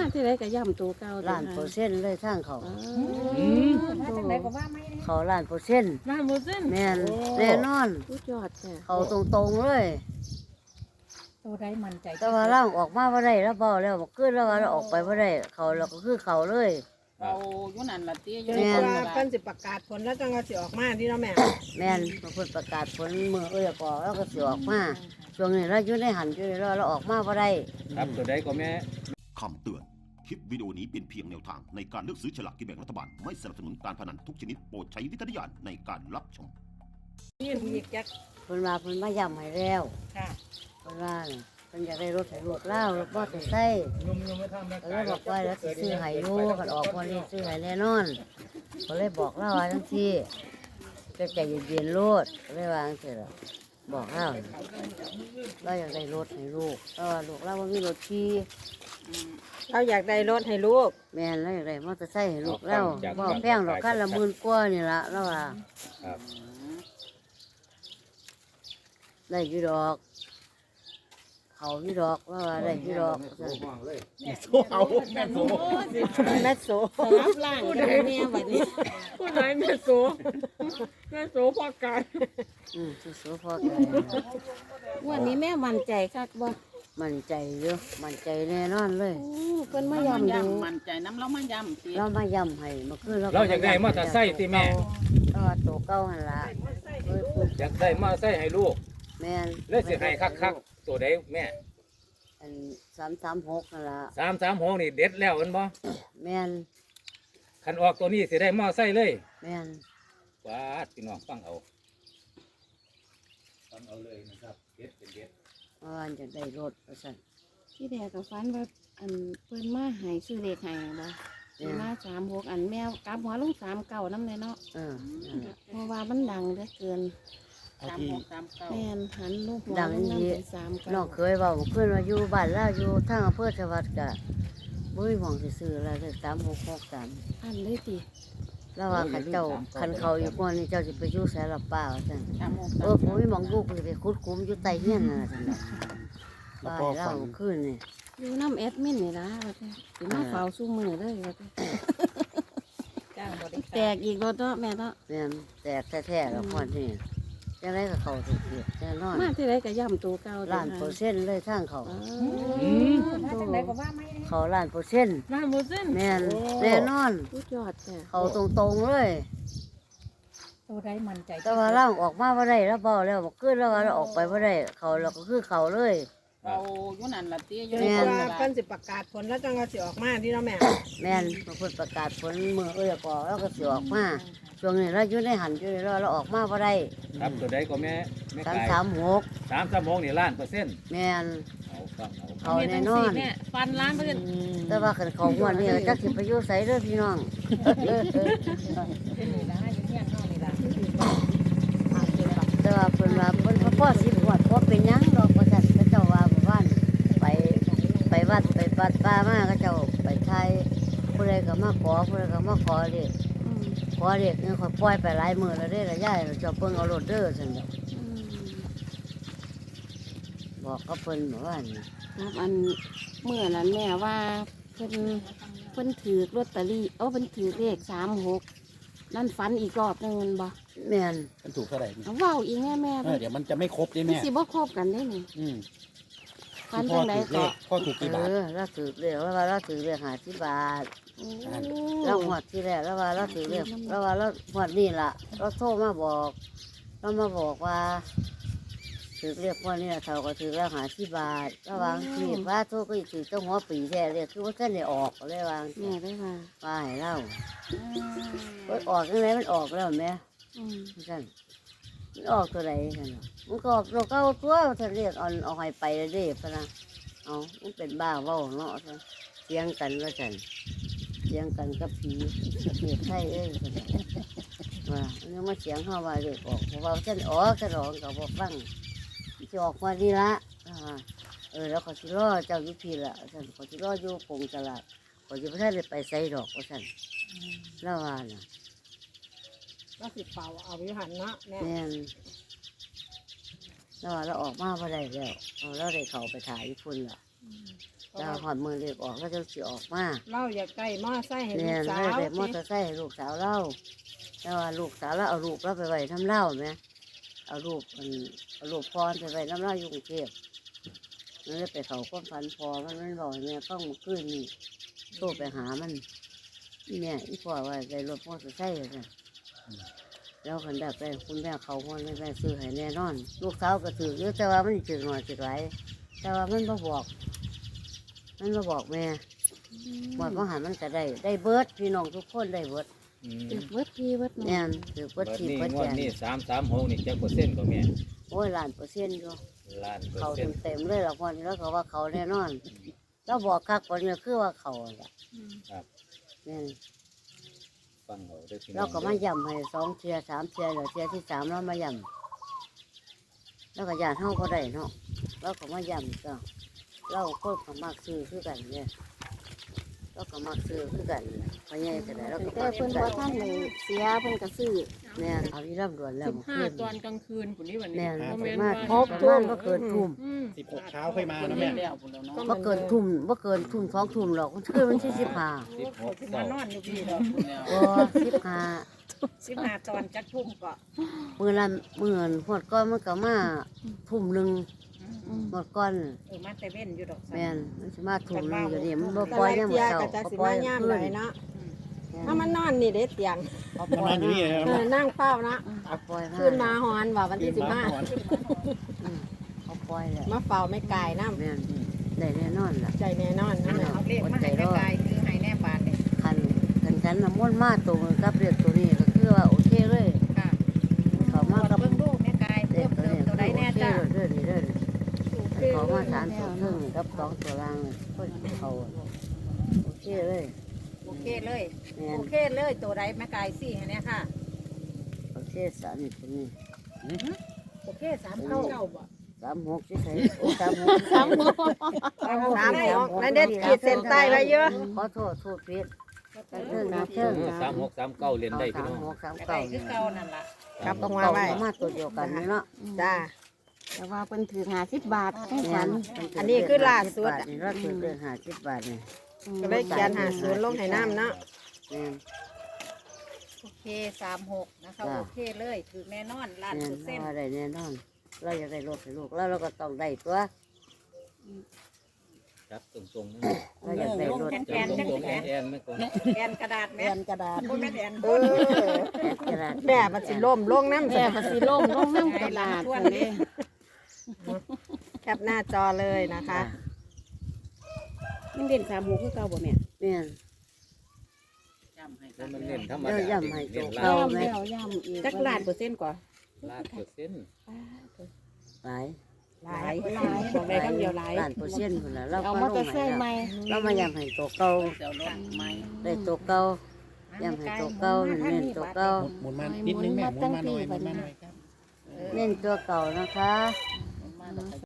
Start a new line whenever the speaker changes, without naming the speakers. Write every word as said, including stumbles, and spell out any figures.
ที่ไรก็ย่ำตัวเก่า
ล้านเปอร์เซ็นต์เลยทางเขา
อืม
มาจังไดก็ว่าไม่ได้
เขาล้านเปอร์เซ็นต์
ล้านเปอร์เซ็นต์
แม่นแน่นอน
สุดยอดจ้ะ
เขาตรงๆเลย
ตัวใดมั่นใจ
แต่ว่าร่างออกมาบ่ได้แล้วเบาแล้วบ่ขึ้นแล้วว่าเราออกไปบ่ได้เขาเราก็คือเขาเลย
เอาอยู่นั่นละเตี้ยอยู่
แม่
ใน
น
คน
ว่า
ละ
เพิ่นสิประกาศผลแล้วจังว่าสิออกมาที่เนาะแม่
แม่นบางคนประกาศผลมือเอ้ยก่อแล้วก็สิออกมาช่วงนี้เราอยู่ในหันอยู่ในรอเราออกมาบ่ได้
ครับตัวใดก็แม่
คำเตือน คลิปวิดีโอนี้เป็นเพียงแนวทางในการเลือกซื้อฉลากกินแบ่งรัฐบาล ไม่สนับสนุนการพนันทุกชนิดโปรดใช้วิจารณญาณในการรับชม
นี่อีกจัก
เพิ่นว่าเพิ่นมาย้ำให้แล้ว
ค่ะ
เพิ่นว่าน่ะเพิ่นอยากได้รถให้ลูกเล่ารถมอเตอร์ไซค์ก็เลยบอกว่าแล้วสิซื้อให้อยู่คันออกวันนี้ซื้อให้แน่นอนก็เลยบอกเล่าว่าจังซี่ก็ใจเย็นๆโลดก็เลยว่าจังซี่ล่ะบอกเล่าเราอยากได้รถให้ลูกแต่ว่าลูกเราบ่มีรถขี่
เราอยากได้รถให้ลูก
แม่นเราอยากได้มอเตอร์ไซค์ให้ลูกเราบ่แพงดอกคันละหมื่นกว่านี่ล่ะแล้วว่า
ครับ
ได้อยู่ดอก เขาอยู่ดอกแล้วว่าได้อยู่ดอกซั่น
โซเอาแม่โซ
แม่โส
สลับล่างกันแม่บัดนี้
ผู้ใดแม่โสแม่โสพอกัน
อืมสู้ๆพอกัน
วันนี้แม่มั่นใจคักบ่
มั่นใจเยอะมั่นใจแน่นอนเลย
โอ้เพิ่นมา
มา
ย่ำดู
ย่ำมั่นใจน้ำเรามาย่ำเตี้ย
เรามาย้ำให้เมื่อคืนเรา
เราอยากได้มอเตอร์ไซค์ติแม่
ก็ตัวเก่าหันละเคยพูด
อยากได้มอเตอร์ไซค์ให้ลูก
แม่น
แล้วสิให้คักๆตัวใดแม่
อันสามสามหกนั่นละ
สามสามหกนี่เด็ดแล้วแมันบ่
แม่น
คันออกตัวนี้สิได้มอเตอร์ไซค์เลย
แม่น
ว้าดพี่น้องฟังเอาฟังเอาเลยนะครับเด็ดเป็นเด็ด
เพราะว่าจะได้รถประสัน
ที่แรกก็ฝันว่าอันเพิ่นมาให้ซื้อเลขให้บ่สิมาสามหกอันแมวกลับหัวลงสามเก้านำเลยเนาะ
เออนั่นล่ะ
เพราะว่ามันดังเหลือเกิน
สามหกสามเก้า
แม่นหันลูกหัว
ดัง
ลง
นี้
น้ำเป็นสามเก้า
น้องเคยเบาเพื่อนว่าอยู่บ้านแล้วอยู่ทางอำเภอชวัดกะบุ้ยหมองสิซื้ออะไรสามหกหกสาม
อันเลยติ
แล้วว่าขันเจ้าขันเขาอยู่ก่อนนี่เจ้าจะไปอยู่แสนละเปล่าจัง
สามหก
เอ
สา
อ
ม
ผมไม่มองลูกเลยไปคุดคุ้มอยู่ใต้เฮียนนั่นแหละจังเลยบ้านเราขึ้นนี่
อยู่น้ำแอดมินนี่ล่ะว่าแต่สิมาเฝ้าสู้มือเลยว่าแต่
จ้างบริ
แต
การ
กอีกแล้วเนาะแม่เนาะ
แม่นแตกแท้ๆแล้วพอนี่จะได้กับเขาถูกเกียแน่นอน
มาที่ไรก็ย่ำตัวเก่า
ล้านเปอร์เซ็นต์เลยทางเขา
อ๋อ
อืม
มาจังไดก็ว่าไม่ได้
เขาล้านเปอร์เซ็นต์
ล้านเปอร์เซ็นต์
แม่นแน่นอน
สุดยอดจ้ะ
เขาตรงๆเลย
ตัวใดมั่นใจ
แต่ว่าร่างออกมาบ่ได้แล้วเบาแล้วบ่ขึ้นแล้วว่าเราออกไปบ่ได้เขาเราก็คือเขาเลย
เอาอยู่นั่นละเตี้ยอ
จ
ยู่
น
ใน
ก
คน
ว่า
ละ
เพิ่นสิประกาศผลแล้วจังว่าสิออกมาที่เนาะแม่
แม่นบางคนประกาศผลมือเอ้ยก่อแล้วก็สิออกมาช่วงนี้เราอยู่ในหันอยู่ในรอเราออกมาบ่ได้
ครับตัวใดก็แม่แม่
สาม
ไก่
สามหก
สามสามหกนี่ล้านเปอร์เซ็นต์
แม่น
เอาฟังเอา
เขาแน่นอน
ฟันล้านเปอร์เซ็นต์
แต่ว่าคันเขางวดนี้จักสิไปอยู่ไสเด้อพี่น้อง
เป็นนี่นะอยู่เฮียนเฮานี่ล่ะ
แต่ว่าเพิ่นว่าเพิ่นพ่อสิบวดบ่เป็นหยังดอกว่าซั่นเขาเจ้าว่าบ่ว่านไปไปวัดไปวัดป่ามาเขาเจ้าไปไทยผู้ใดก็มาขอผู้ใดก็มาขอเลข
อืม
ขอเลขนี่เขาปล่อยไปหลายมื้อแล้วเด้ละยายเจ้าเพิ่นเอารถเด้อซั่นดอก
อืม
บอกกับเพิ่นบอกว่านี่
ครับอันเมื่อนั้นแม่ว่าเพิ่นเพิ่นถือลอตเตอรี่เอาเพิ่นถือเลขสามหกนั่นฝันอีกรอบหนึงแม่นบ่
แม่น
มันถูกเท่าไหร่นี่
เอาเว้าอีกแม่แม่
เออเดี๋ยวมันจะไม่ครบได้
มัน
แม่
สิบ่ครบกันได้นี่
อืม
ฝัน
พ่
จั
อง
ได
ถูกเล
ก็
ขพ่อถูกกี่บาท
เออเราถือเลขแล้วว่าเราถือเลขห้าสิบบาท
โอ้
เราหวดที่แรกแล้วว่าเราถือเลขแล้วว่าเราหวดนี่ล่ะเราโทรมาบอกเรามาบอกว่าถือเลขพวกนี้เท่าก็ถือแล้วห้าสิบบาทระหว่างที่ว่าโทรก็ถือเจ้าหัวปีแท้เลยคือว่าเส้นได้ออกเลยวาง
แม่ได้ว่า
ว่าให้เราเอยออกยังไงมันออกแล้วแม่
อืม
สั่นมันออกตัวไหนสั่นเนาะมันก็ออกตัวเก้าตัวถ้าเรียกเอาเอาให้ไปเลยเด้พะนะเอามันเป็นบ้าเว้าเนาะซะเสียงกันว่าสั่นเสียงกันกับผีเมียไทยเอ้ยสั่นว่าอันนี้มาเสียงเข้าว่าเด็กออกเพราะว่าฉันออกฉันออกกับบอกฟังจะออกมาดีละอ่าเออแล้วเขาสิรอเจ้าอยุพีละสั่นเขาสิรออยู่กงตลาดเขาจะไม่ได้ไปใส่ดอกว่าสั่นแล้วว่าน่ะ
ก็สิเป่าเอาอยู่หันเนาะแม่
แม่นแล้วว่าเราออกมาบ่ได้แล้วเอาเราได้เขาไปถ่ายญี่ปุ่นละ
เพ
จะหอดมือเล็กออกก็จะสิออกมา
เล่าอย่าใกล้มอไซค์ให้ลู
เนี่
ก
ย
สา
เรา
ว
ได้มอเตอร์ไซค์ให้ลูกสาวเล่าแต่ว่าลูกสาวเราเอาลูกเราไปไว้น้ำเล่าไหมเอาลูกมันเอาลูกพรไปไว้น้ำเล่าอยู่กรุงเทพมันเลยไปเขาก้มฟันพอมันมันบอกให้แม่ต้องมาขึ้นนี่โทรไปหามันอีแม่อีพ่อว่าได้รถมอเตอร์ไซค์เลยแล้วคันดับไปคุณแม่เขาคนแม่ซื้อให้แน่นอน ลูกสาวก็ถือเยอะแต่ว่ามันถือหน่อยถือไรแต่ว่ามันมาบอก มันมาบอกแม่บอกว่าหามันก็ได้ได้เบิร์ดพี่น้องทุกคนได้เบิร์ด
อืม
ถือเบิดพี่เบิดน้อง
แน่นถือเบิ
เบิ
ร์ด
ด
ที
นี่
เบิร์ด
ง
แจ
วด
น
นี่สามสามหกนี่จักเปอร์เซ็นต์ก็แม่
โอ้ยล้านเปอร์เซ็นต์อยู่
ล้านเปอ
เขา
ร์เซ็
เต็
น
ม
ต์
เต็มๆเลยละคนแล้วก็ว่าเขาแน่นอนแล้วบอกคักคนนี้คือว่าเขาแหละ
ครับ
นี่น
ฟังเอาเด้อพี่น้
เรา
อง
ก็มาย่ำให้สองเทียสามเทียเหลือเทียที่สามเรามาย่ำแล้วก็ยานเท่าก็ได้เนาะเราก็มาย่ำก็เราคนก็มักซื้อคือกันเนี่ยเราก็มักซื้อคือกันพอใหญ่จะได้เราก็
แต่
มัก
เพิ่น
ซื้อ
บ่
กั
ทั
น
นได้เสียเพิ่นก็ซื้อ
เนี่ยเอาที่ร่ำรวนแล้ว
สิบ
เมื่อ
ห้า
คืน
ตอนกลางคืนปุ่นนี้วันนี้
เนี่ย
บ่
ป
แม่
ระ
น
มาณ
ว่า
ประมาณว่าเกินทุ่ม
อืม
สิบหกเช้าค่อยมา
คน
นะ
เดี
แม่
ยวพุ่นแล้วเนาะ
ว่าเกินทุ่มว่าเกินทุ่มสองทุ่มหรอกมันคือมันที่สิบห้า
สิบหก
สิ
เสาม
านอนอยู่พี่ดอก
พุ่นแล้ว
ก็สิบห้า
สิบห้าตอนจักทุ่มก็
มือละมือหมดก้อนมันก็มาทุ่มหนึ่ง
อืม
หมดก้อน
เออมาแต่เว้นอยู่ดอก
แม่นมันจะมาทุ่มหนึ่งอยู่นี่มันบ่
แต่
ปล่อย
ละ
ยังหม
เที
ด
ย
เช้า
ก็จะ
บ่
สิ
ปล่อ
มาย ย่าม
ขึ้
ไหน
น
เนาะถ้ามันนอนนี่เด็ดเตียง
เอาป
มัน
ล่อน ย
อนอยู่นี่นะ
เอ
แม่
อนั่งเฝ้านะ
เอาปล่อย
ขึ้นมาหอนว่าวันที่สิบห้า
อืมเอาปล่อยเลย
มาเฝ้าไม่ไกลน้
แม่นได้แน่นอนล่ะ
ำใจแน่นอนนะแม่
เอาเลขมาให้แม่กายคือให้แน่บาทนี่
คันคันคันน้ำมนต์มาตัวมันกับเรียกตัวนี้ก็คือว่าโอเคเลย
ค่ะ
เขามากับ
เบิ่งดูแม่กาย
เด็
เพิ่
ก
ม
ตัว
เติม
นี้
ตัวใดแน่จ้า
เด้อเด้อเด้อเด้อเขามาสามตัวครึ่งกับสองตัวล่างก็เขาโอเคเลย
โอเคเลย
แม่น
โอเคเลยตัวใดแม่กายสี่ให้แน่ค่ะ
โอเคสามนี่ตัวนี้
โอเคสามเก้า
สามหกใช่โอ้สามหกสามหก
สามหกนั่นเด็ดขีดเส้นใต้ไว้เยอะ
ขอโทษทูดผิดกันเทิงนะเทิง
สามหกสามเก้าเรียนได้พี่
สาม
น้อง
หกสาม
ไก่
เก้า
คือเก่านั่นล่ะ
ครับตรงมา
เก้า
ไว้
มาตัวเดียวกันนี่เนาะ
จ้า
แต่ว่าเพิ่นถือห้าสิบบาทให้
เนี่
ฝั
ย
น
อันนี้คือล่าสุด
นี่เราถือเดือนห้าสิบบาทเนี่ย
อืม
ก็เลยเขียนหาศูนย์ลงให้น้ำเนาะ
เนี่ย
โอเคสามหกนะคะโอเคเลยถือแน่นอนล้าน
เนี่ย
เปอร์เซ็นต์
เราได้แน่นอนเราอยากได้รถให้ลูกแล้วเราก็ต้องได้ตัว
จับตรงๆนะ
เราอยากได้รถ
จับตรงๆแอนแอนไม่ก่อน
แอนกระดาษแม่
แผ่นกระดาษ
โอ้แม่แอน
เอ
คน
อ
กระดาษ
แม่มันสิล่มลงน้ำ
แม่
จ้ะ
ก็สิล่มลงน้ำกระดาษซั่นเด้
แคปหน้าจอเลยนะคะ
มันเด่นสามหกคือเก่าบ่แม่
เนี่ย
จำให้
แล้
กั
วน มันเน้นธรรม
เดี๋
ดา
ยวย่ำให้
เน้น
โจ๊ก
ล้า
เอา
น
ไหม
แล้วย่ำอีก
จักล้านเปอร์เซ็นต์กว่า
ล้านเปอร์เซ็นต์
หลาย
หลายหลายบอกได้คำเดียวหลาย
ล้านเปอร์เซ็นต์คนละเรา
เอา
ก็
มอ
ล
เตอง ร์ไซ
ให้
ค์ใหม่
เรามาย่ำให้ตัวเก่า
เดี๋ยวรถใหม่
ได้ตัวเก่าย่ำให้ตัวเก่าเน้นตัวเก่า
หมุนมานิดนึงแม่หมุนมาหน่อยหมุนมาหน่อยครับ
เน้นตัวเก่านะคะ
มาแล้วก็